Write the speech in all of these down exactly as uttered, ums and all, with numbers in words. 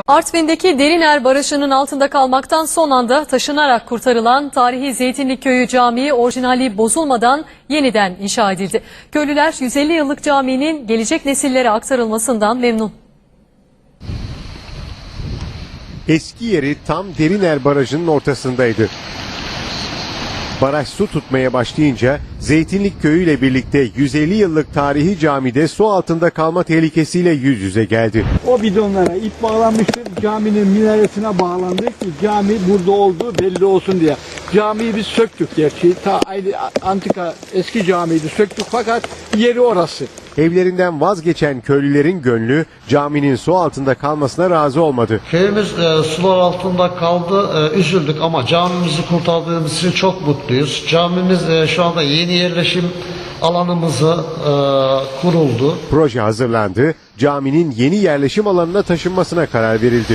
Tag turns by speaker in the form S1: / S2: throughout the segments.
S1: Artvin'deki Deriner Barajı'nın altında kalmaktan son anda taşınarak kurtarılan tarihi Zeytinlikköyü Camii orijinali bozulmadan yeniden inşa edildi. Köylüler yüz elli yıllık caminin gelecek nesillere aktarılmasından memnun.
S2: Eski yeri tam Deriner Barajı'nın ortasındaydı. Baraj su tutmaya başlayınca Zeytinlikköyü ile birlikte yüz elli yıllık tarihi camide su altında kalma tehlikesiyle yüz yüze geldi.
S3: O bidonlara ip bağlanmıştır. Caminin minaresine bağlandı ki cami burada olduğu belli olsun diye. Camiyi biz söktük gerçi. Ta aynı antika eski camiydi, söktük fakat yeri orası.
S2: Evlerinden vazgeçen köylülerin gönlü caminin su altında kalmasına razı olmadı.
S4: Köyümüz e, sular altında kaldı, e, üzüldük ama camimizi kurtardığımız için çok mutluyuz. Camimiz e, şu anda yeni yerleşim alanımızı e, kuruldu.
S2: Proje hazırlandı, caminin yeni yerleşim alanına taşınmasına karar verildi.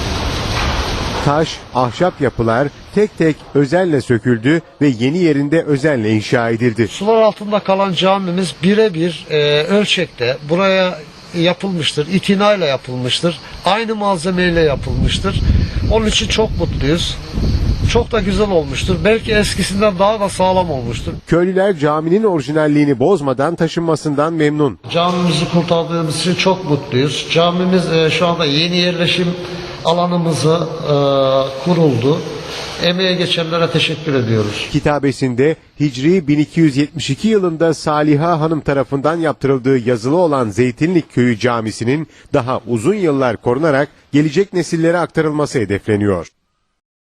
S2: Taş, ahşap yapılar tek tek özenle söküldü ve yeni yerinde özenle inşa edildi.
S4: Sular altında kalan camimiz birebir e, ölçekte buraya yapılmıştır, itinayla yapılmıştır, aynı malzemeyle yapılmıştır. Onun için çok mutluyuz. Çok da güzel olmuştur. Belki eskisinden daha da sağlam olmuştur.
S2: Köylüler caminin orijinalliğini bozmadan taşınmasından memnun.
S4: Camimizi kurtardığımız için çok mutluyuz. Camimiz e, şu anda yeni yerleşim alanımızı e, kuruldu. Emeğe geçenlere teşekkür ediyoruz.
S2: Kitabesinde Hicri bin iki yüz yetmiş iki yılında Saliha Hanım tarafından yaptırıldığı yazılı olan Zeytinlikköyü Camisi'nin daha uzun yıllar korunarak gelecek nesillere aktarılması hedefleniyor.